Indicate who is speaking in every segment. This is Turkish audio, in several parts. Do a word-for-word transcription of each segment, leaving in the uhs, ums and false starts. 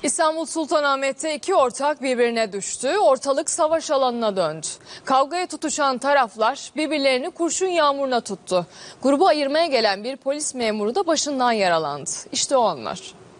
Speaker 1: İstanbul Sultanahmet'te iki ortak birbirine düştü. Ortalık savaş alanına döndü. Kavgaya tutuşan taraflar birbirlerini kurşun yağmuruna tuttu. Grubu ayırmaya gelen bir polis memuru da başından yaralandı. İşte o anlar.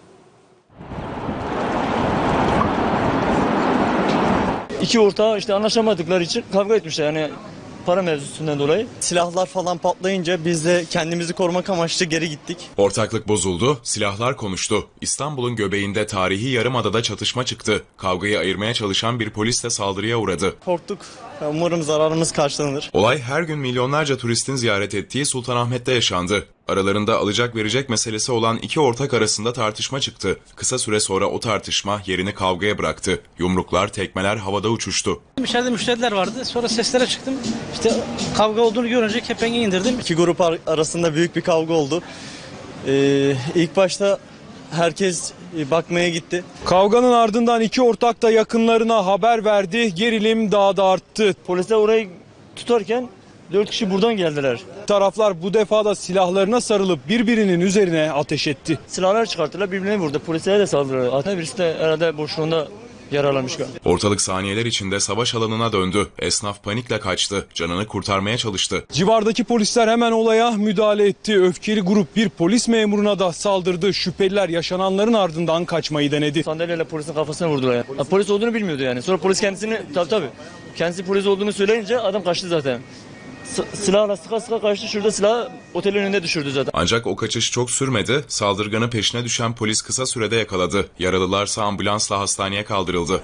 Speaker 2: İki ortağı işte anlaşamadıkları için kavga etmişler yani para mevzusundan dolayı.
Speaker 3: Silahlar falan patlayınca biz de kendimizi korumak amaçlı geri gittik.
Speaker 4: Ortaklık bozuldu, silahlar konuştu. İstanbul'un göbeğinde tarihi Yarımada'da çatışma çıktı. Kavgayı ayırmaya çalışan bir polis de saldırıya uğradı.
Speaker 3: Korktuk. Umarım zararımız karşılanır.
Speaker 4: Olay her gün milyonlarca turistin ziyaret ettiği Sultanahmet'te yaşandı. Aralarında alacak verecek meselesi olan iki ortak arasında tartışma çıktı. Kısa süre sonra o tartışma yerini kavgaya bıraktı. Yumruklar, tekmeler havada uçuştu.
Speaker 5: İçeride müşteriler vardı. Sonra seslere çıktım. İşte kavga olduğunu görünce kepengi indirdim.
Speaker 3: İki grup arasında büyük bir kavga oldu. Ee, ilk başta herkes bakmaya gitti.
Speaker 6: Kavganın ardından iki ortak da yakınlarına haber verdi. Gerilim daha da arttı.
Speaker 2: Polisler orayı tutarken dört kişi buradan geldiler.
Speaker 6: Taraflar bu defa da silahlarına sarılıp birbirinin üzerine ateş etti.
Speaker 2: Silahlar çıkarttılar, birbirine vurdu. Polislere de saldırdılar. Hatta birisi de herhalde boşluğunda yaralanmış galiba.
Speaker 4: Ortalık saniyeler içinde savaş alanına döndü. Esnaf panikle kaçtı. Canını kurtarmaya çalıştı.
Speaker 6: Civardaki polisler hemen olaya müdahale etti. Öfkeli grup bir polis memuruna da saldırdı. Şüpheliler yaşananların ardından kaçmayı denedi.
Speaker 2: Sandalyeyle polisin kafasına vurdular yani. Ya, polis olduğunu bilmiyordu yani. Sonra polis kendisini tabii tabii kendisi polis olduğunu söyleyince adam kaçtı zaten. S- silahla sıka sıka kaçtı. Şurada silahı otelin önünde düşürdü zaten.
Speaker 4: Ancak o kaçış çok sürmedi. Saldırganın peşine düşen polis kısa sürede yakaladı. Yaralılarsa ambulansla hastaneye kaldırıldı.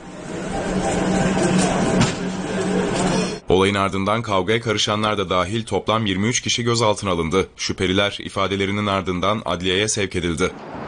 Speaker 4: Olayın ardından kavgaya karışanlar da dahil toplam yirmi üç kişi gözaltına alındı. Şüpheliler ifadelerinin ardından adliyeye sevk edildi.